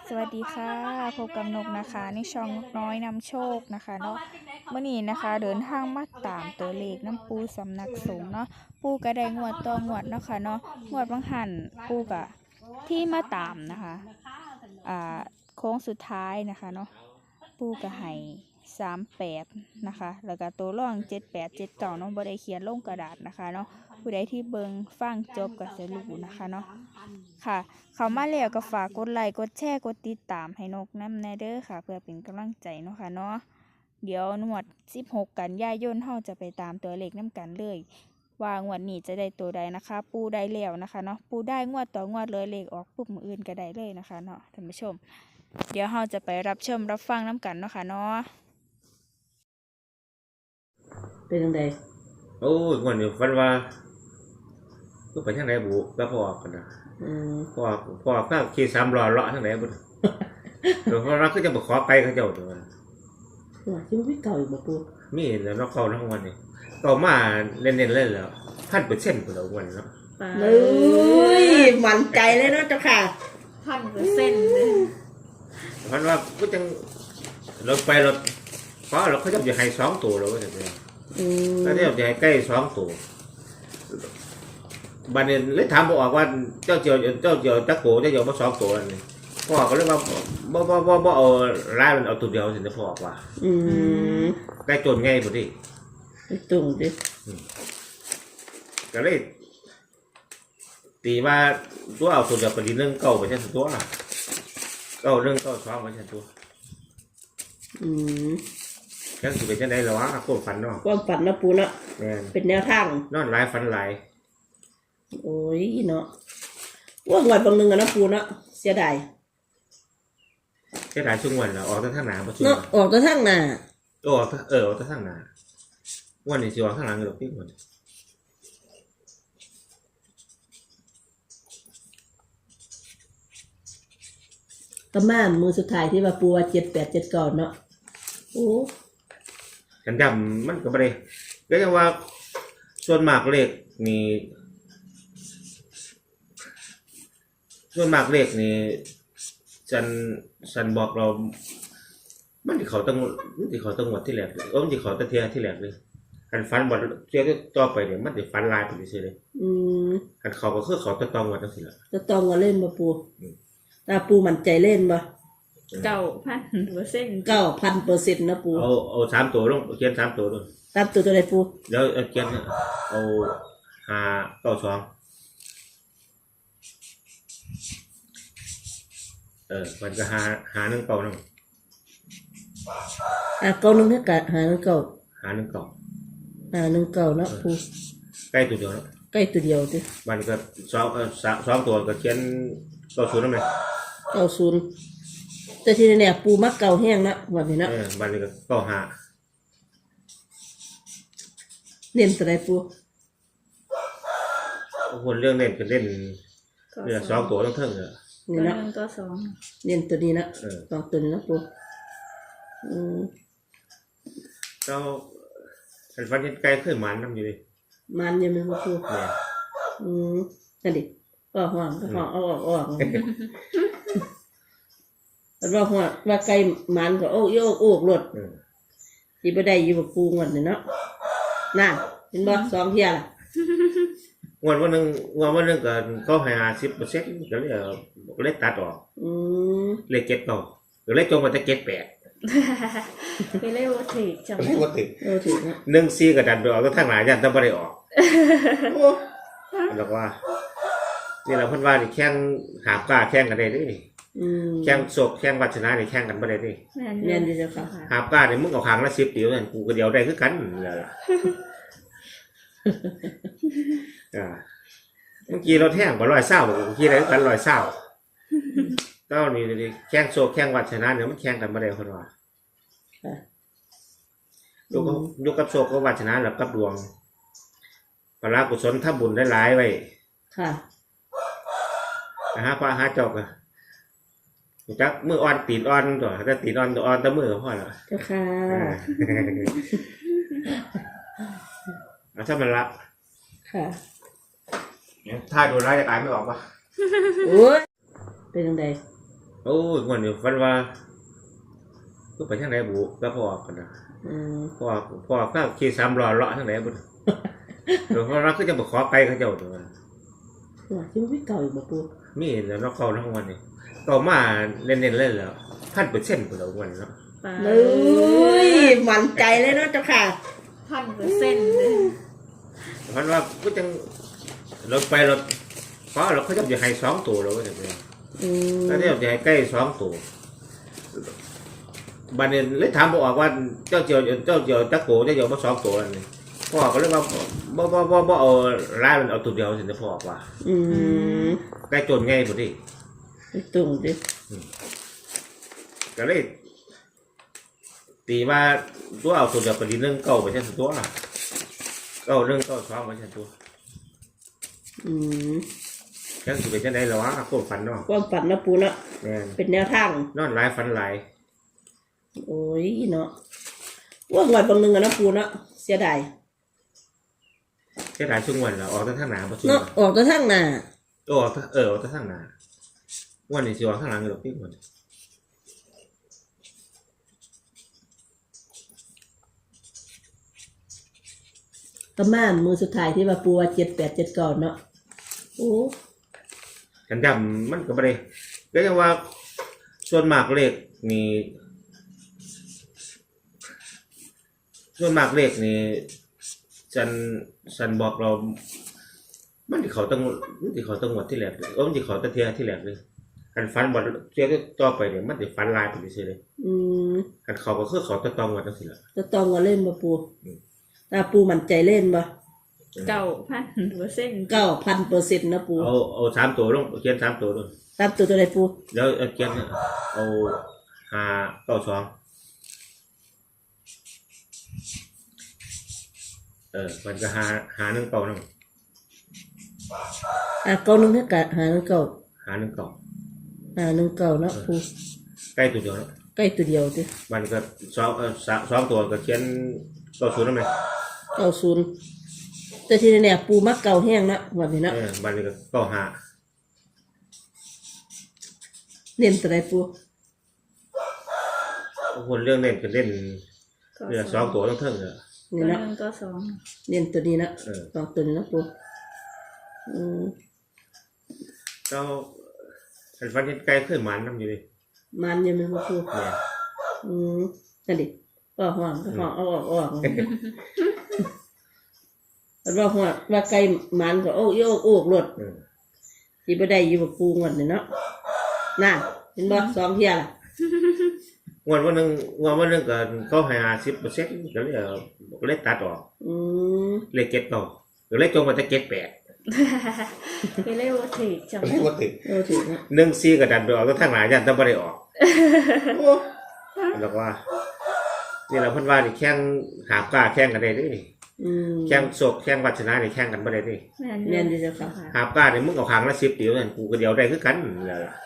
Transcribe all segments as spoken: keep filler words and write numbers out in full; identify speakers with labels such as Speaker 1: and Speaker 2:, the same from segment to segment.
Speaker 1: สวัสดีค่ะพบกับนกนะคะในช่องนกน้อยนำโชคนะคะเนาะเมื่อนี้นะคะเดินทางมาตามตัวเลขน้ำปูสำนักสงฆ์เนาะปูก็ได้งวดต่องวดเนาะค่ะเนาะงวดบางหันปูกะที่มาตามนะคะอ่าโค้งสุดท้ายนะคะเนาะปูกะให้สามแปดนะคะแล้วก็ตัวร่องเจ็ดแปดเจ็ดเก่าเนาะบ่ได้เขียนลงกระดาษนะคะเนาะผู้ใดที่เบิงฟังจบก็จะรู้นะคะเนาะค่ะเขามาแล้วก็ฝากกดไลค์กดแชร์กดติดตามให้นกน้ำแนเด้อค่ะเพื่อเป็นกำลังใจเนาะค่ะเนาะเดี๋ยวนวดสิบหกกันยายนเฮาจะไปตามตัวเลขน้ำกันเลยว่างวดนี้จะได้ตัวใดนะคะ ปูได้แล้วนะคะเนาะปูได้งวดต่องวดเลยเลขออกปุ๊บมืออื่นก็ได้เลยนะคะเนาะท่านผู้ชมเดี๋ยวเฮาจะไปรับชมรับฟังน้ำกันเนาะค่ะเนาะ
Speaker 2: เป็นยังไง
Speaker 3: โอ้ยวันนี้ฟันว่าก็ไปทางไหนบุแล้วพอกันนะพอพอข้าวขี่สามล้อเลาะทางไหนบุเดี๋ยวเราก็จะมาขอไปเขาเจ้าตัว
Speaker 2: ว่าที่ไม่เก่าอยู่บ่ปู
Speaker 3: มีแล้วเราเข้าทั้งวันนี้ก็มาเล่นๆเล่นแล้วพันเปอร์เซ็นต์ของเราวันเนาะ
Speaker 2: เลยมั่นใจเลยเนาะเจ้าค่ะ
Speaker 1: พันเปอร์เซ็นต์เลย
Speaker 3: พันว่าก็จังเราไปเราเพราะเราเขาจะให้สองตัวเราก็จะไปแล้วเนี่ยจะให้ใกล้สองตัวบันนี้เลยถามบอกว่าเจ้าเจียวเจ้าเจียวตะโกเจ้าเจียวมาสองตัวนี่พ่อก็เลยว่าบ่บ่บ่บ่เอาไล่มันเอาตัวเดียวสิจะพ่อว่า
Speaker 2: อืม
Speaker 3: ใกล้จนไงพอดี
Speaker 2: ไอ้ตุ่งดิ
Speaker 3: ก็เลยตีว่าตัวเอาตัวเดียวก็ดีเรื่องเก่าไปใช่ตัวเก่าเรื่องเก่าสองไปใช่ตัว
Speaker 2: อืม
Speaker 3: ยังสิเป็นจังได๋ล่ะวะความฝันเนาะ
Speaker 2: ความฝันนะปูเนาะ
Speaker 3: แม่น
Speaker 2: เป็นแนวทาง
Speaker 3: นอนหลายฝันหลาย
Speaker 2: โอ้ยเนาะว่าหวดบางนึงอะนะปูเนาะเสียดาย
Speaker 3: เสียดายช่วงวันแล้วออกทางหน้าบ่ช่วง
Speaker 2: เนาะออกทางหน้า
Speaker 3: ออกเออออกทางหน้าวันนี้สิออกทางหลังดอกพี่มัน
Speaker 2: ก็มามือสุดท้ายที่ว่าปูว่าเจ็ดแปดเจ็ดเก้าเนาะโอ้
Speaker 3: กันจำมันก็บ่ได้ก็ยังว่าส่วนมากเลขนี่ส่วนมากเลขนี่ฉันฉันบอกเรามันที่เขาต้องมันที่เขาต้องหมดที่แรกเออมันที่เขาตะเทียที่แรกเลยคันฟันบ่เทียต่อไปเนี่ยมันสิฟันลายไปซื่อเลย
Speaker 2: อืม
Speaker 3: คันเขาก็คือเขาตะตองว่าจังซี่ล่ะ
Speaker 2: ตะตองก็เล่นบ่ปูตาปูมั่นใจเล่นบ่
Speaker 1: เก้าพันเปอร์เซ็นต์
Speaker 2: เก้าพันเปอร์เซ็นต์นะปู
Speaker 3: เอาเอาสามตัวลงเขียนสามตัวลง
Speaker 2: สามตัวตัวใดปู
Speaker 3: เดี๋ยวเขียนเอาห้าเก้าสองเออมันก็หาหาหนึ่งเก่านึง
Speaker 2: อ่ะเก้าหนึ่งก็กะหาหนึ่งเก้า
Speaker 3: หาหนึ่งเก่า
Speaker 2: หาหนึ่งเก้าเนาะปู
Speaker 3: ใกล้ตัวเดียวเนาะ
Speaker 2: ใกล้ตัวเดียวดิ
Speaker 3: มันก็สองเออสองตัวก็เขียนเก้าศูนย์นั่นเอง
Speaker 2: เก้าศูนย์แต่ที่เนี่ยปูมักเก่าแห้งนะวันนี้นะ
Speaker 3: เออมันก็เก้าห้า
Speaker 2: เน้นตัวใดปู
Speaker 3: คนเรื่องเล่นก็เล่นเนี่ยสองตัวต้องเท่งเลย
Speaker 2: นี่นะ
Speaker 1: ก็สอง
Speaker 2: เน้นตัวนี้นะสองตัวนี้นะปูอืม
Speaker 3: เราเป็นฟันยันไกลขึ้นมันน้ำอยู่ดิ
Speaker 2: มันยังไม่มาปูอืมนั่นดิก็ห่วงก็ห่วงเอาออกออกแต่ว่าห่วงว่าไก่มันก็โอ้ยโอ้โอ้หลดที่ไม่ได้อยู่กับปูเงินเนาะน่าเห็นบ่สองเที่ยล่ะ
Speaker 3: วันวันหนึ่งวันวันหนึ่งก็เขาให้ห้าสิบเปอร์เซ็นต์ก็เลยก็เลยตัดออกเลขเจ็ดเก่าก็เลยจงมาจะเจ็ดแปด
Speaker 1: ไปเล่วัตถุจัง
Speaker 3: เลยวัตถุ
Speaker 2: วัตถุ
Speaker 3: หนึ่งซีกับดันไปออกก็ทั้งหลายยันต้องไม่ได้ออกแล้วว่านี่เราพูดว่านี่แข่งหาบกล้าแข่งกันได้ดิแข่งโศกแข่งวัชนะนี่แข่งกันไม่ได้ดิ
Speaker 2: เรียนดีจ้ะค่ะ
Speaker 3: หาบกล้าเนี่ยมึงเอาคางละสิบเดียวนั่นกูก็เดียวได้คือกันเลยอ่าเมื่อกี้เราแท่งก็ร้อยเศร้าเมื่อกี้อะไรกันร้อยเศร้าก็นี่ดิแข่งโศกแข่งวัชนะเนี่ยมันแข่งกันไม่ได้คนว่ายกยกกับโศกกับวัชนะแล้วกับดวงปรากุศลถ้าบุญได้หลายไว้
Speaker 2: ค่ะ
Speaker 3: นะฮะพระหาเจ้าก็จักมืออ่อนตีนอ่อนตัวถ้าตีนอ่อนตัวอ่อนตะมือก็พอแล้ว
Speaker 2: เจ้าค่ะ
Speaker 3: เอาถ้ามันละ
Speaker 2: ค่ะ
Speaker 3: ถ้าดูร้ายจะตายไม่ออกปะ
Speaker 2: โอ้ยเป็นยังไง
Speaker 3: โอ้ยวันนี้ฝันว่าก็ไปทางไหนบุก็พอกันนะ
Speaker 2: อืม
Speaker 3: พอพอก็ขี่สามล้อเลาะทางไหนบุเดี๋ยวเราก็จะมาขอไกลเขาเจ้าตัว
Speaker 2: ว่าที่มันไม่เก่าอีกบ่ปู
Speaker 3: มีแล้วเราเข้าทั้งวันนี้ก็มาเล่นๆเล่นแล้วพันเปอร์เซ็นต์ไปแล้ววันเนาะ
Speaker 2: เลยมั่นใจเลยเนาะเจ้าค่ะ
Speaker 1: พันเปอร์เซ็นต์เลย
Speaker 3: เพราะว่าก็จังเราไปเราเพราะเราเขาจะจะให้สองตัวเราก็จะเป็น
Speaker 2: อืม
Speaker 3: ถ้าที่เราจะให้ใกล้สองตัวบันนี้เลยถามบอกว่าเจ้าเจียวเจ้าเจียวตะโกเจ้าเจียวมาสองตัวนั่นนี่พ่อก็เลยว่าบ่บ่บ่บ่เอาร้ายมันเอาตัวเดียวสิจะพ่อว่า
Speaker 2: อืม
Speaker 3: ใกล้จนง่ายพอดี
Speaker 2: ไอ้ตุ่มดิ
Speaker 3: ก็เลยตีว่าตัวเอาตัวเดียวไปดีนึงเก้าไปใช่ตัวเก้าเรื่องเก้าสองไปใช่ตัว
Speaker 2: อืม
Speaker 3: ยังสิเป็นจังได๋ล่ะวะโคตรฝันเนาะ
Speaker 2: ความฝันนะปูเนาะ
Speaker 3: แม่น
Speaker 2: เป็นแนวทาง
Speaker 3: นอนหลายฝันหลาย
Speaker 2: โอ้ยเนาะว่างวดบางหนึงอะนะปูเนาะเสียดาย
Speaker 3: แค่หลายช่วงวันแล้วออกแต่ทางหน้าบ่ช่วง
Speaker 2: เนาะออกแต่ทางหน้า
Speaker 3: เออออกแต่เออออกแต่ทางหน้าวันนี้สิออกทางหลังอยู่ดอกพี่คน
Speaker 2: ประมาณมือสุดท้ายที่ว่าปูว่าเจ็ดแปดเจ็ดเก้าเนาะโอ้
Speaker 3: กันจำมันก็บ่ได้ก็ยังว่าส่วนมากเลขนี่ส่วนมากเลขนี่ฉันฉันบอกเรา มันที่เขาต้องมันที่เขาต้องหมดที่แรกเลยเออมันที่เขาตะเทียที่แรกเลยคันฟันบ่เทียต่อไปเนี่ยมันสิฟันลายไปซื่อเลย
Speaker 2: อืม
Speaker 3: คันเขาก็คือเขาตะตองหมดจังซี่ล่ะ
Speaker 2: จะต้องมาเล่นมาปูตาปูมั่นใจเล่นบ่
Speaker 1: เก้าพันเปอร์เซ็นต์
Speaker 2: เก้าพันเปอร์เซ็นต์นะปู
Speaker 3: เอาเอาสามตัวลงเขียนสามตัวลง
Speaker 2: ตามตัวตัวใดปู
Speaker 3: เดี๋ยวเอาเขียนเอาห้าเก้าสองเออมันก็หาหาหนึ่งเก้านั่ง
Speaker 2: อ่ะเก้าหนึ่งเท่ากับหาหนึ่งเก้า
Speaker 3: หาหนึ่งเก้า
Speaker 2: หาหนึ่งเก้าเนาะปู
Speaker 3: ใกล้ตัวเดียวแล้ว
Speaker 2: ใกล้ตัวเดียวดิ
Speaker 3: มันก็สองเออสามสองตัวก็เขียนเก้าศูนย์นั่นไหม
Speaker 2: เก้าศูนย์แต่ที่เนี่ยปูมักเก่าแห้งนะวันนี้เนาะ
Speaker 3: เออมันก็เก้าห้า
Speaker 2: เน้นตัวใดปู
Speaker 3: คนเรื่องเล่นก็เล่นเรือสองตัวต้องเท่งเลย
Speaker 2: นี่
Speaker 1: ตัวห
Speaker 2: เนาะ
Speaker 1: นึ่งก็สอง
Speaker 2: เน้นตัวนี้นะ
Speaker 3: เออ
Speaker 2: สองตัวนี้นะปูอืม
Speaker 3: เจ้าฉันฟันเห็นไกลขึ้นมันน้ำอยู่ดิ
Speaker 2: มันยังไม่มาปู
Speaker 3: เนี่ย
Speaker 2: อืมนั่นดิออกห่วงห่วงเอาออกออกแล้วว่าห่วงว่าไก่มันก็โอ้ยโอ้โอ้รถ
Speaker 3: เออ
Speaker 2: ที่บ่ได้อยู่กับปูงวดนี่เนาะน่ะเห็นบ่สองเที่ยล่ะ
Speaker 3: งวดวันหนึ่งงวดวันหนึ่งก็เขาให้ห้าสิบเปอร์เซ็นต์ก็เลยเอาก็เลยตัดออก
Speaker 2: อืม
Speaker 3: เลขเก็ตเก่าหรือเลขจงมาจะเก็ตแปด
Speaker 1: ไปเรียกว่าถือจัง
Speaker 3: เลขว่าติด
Speaker 2: โอ้ถูกนะ
Speaker 3: หนึ่งซีกับดันไปออกก็ทางหลายยันต้องไม่ได้ออก
Speaker 2: โอ้
Speaker 3: แล้วว่านี่เราเพิ่นว่านี่แข่งหาบกล้าแข่งกันได้เดิ
Speaker 2: อืม
Speaker 3: แข่งโศกแข่งวัชนะนี่แข่งกันบ่ได้เดิ
Speaker 1: แม่น
Speaker 2: แม่นอยู่เจ้าค่ะ
Speaker 3: หาบกล้านี่มึงเอาหางละสิบเดียวนั่นกูก็เดียวได้คือกันนั่นล่ะ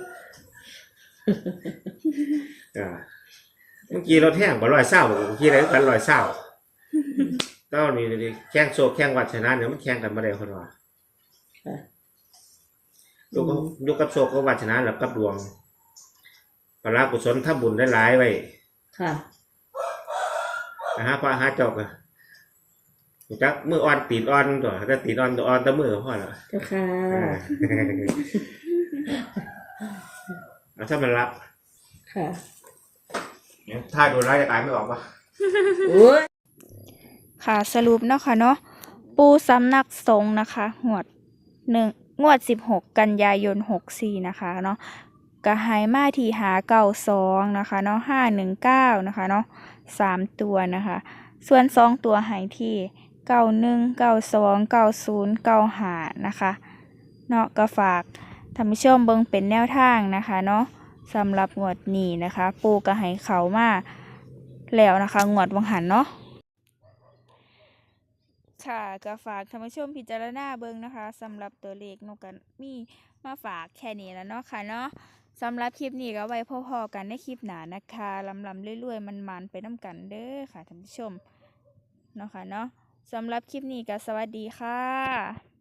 Speaker 3: อ่าเมื่อกี้เราแท่งบ่ร้อยเศร้าบ่กูขี่ได้คือกันร้อยเศร้าก็นี่ดิแข่งโศกแข่งวัชนะเนี่ยมันแข่งกันบ่ได้คนว่า
Speaker 2: ค่ะ
Speaker 3: ยกกับยกกับโศกกับวัชนะแล้วกับดวงปลากุศลทำบุญได้หลายไว้
Speaker 2: ค่ะ
Speaker 3: นะฮะพระหาเจอกอะจักมืออ่อนตีนอ่อนตัวถ้าตีนอ่อนตัวอ่อนแตะมือก็พอแล้ว
Speaker 2: เจ้าค่ะ
Speaker 3: เอาถ้ามันรับ
Speaker 2: ค่ะ
Speaker 3: ถ้าโดนร้ายจะตายไม่ออกปะ
Speaker 2: โอ้ย
Speaker 1: ค่ะสรุปเนาะค่ะเนาะปูสำนักสงฆ์นะคะงวดหนึ่งงวดสิบหกกันยายนหกสี่นะคะเนาะกระหายมาที่หาเก้าสองนะคะเนาะห้าหนึ่งเก้านะคะเนาะสามตัวนะคะ ส่วนสองตัวหายที่เก้าหนึ่งเก้าสองเก้าศูนย์เก้าห้านะคะเนาะก็ฝากท่านผู้ชมเบิ่งเป็นแนวทางนะคะเนาะสำหรับงวดนี้นะคะ ปูกระหายเขามาแล้วนะคะงวดวังหันเนาะค่ะก็ฝากท่านผู้ชมพิจารณาเบิ่งนะคะสำหรับตัวเลขนกกันมีมาฝากแค่นี้แล้วเนาะค่ะเนาะสำหรับคลิปนี้ก็ไว้พอๆกันในคลิปหน้านะคะลำลำเรื่อยๆมันๆไปน้ำกันเด้อค่ะท่านผู้ชมเนาะค่ะเนาะสำหรับคลิปนี้ก็สวัสดีค่ะ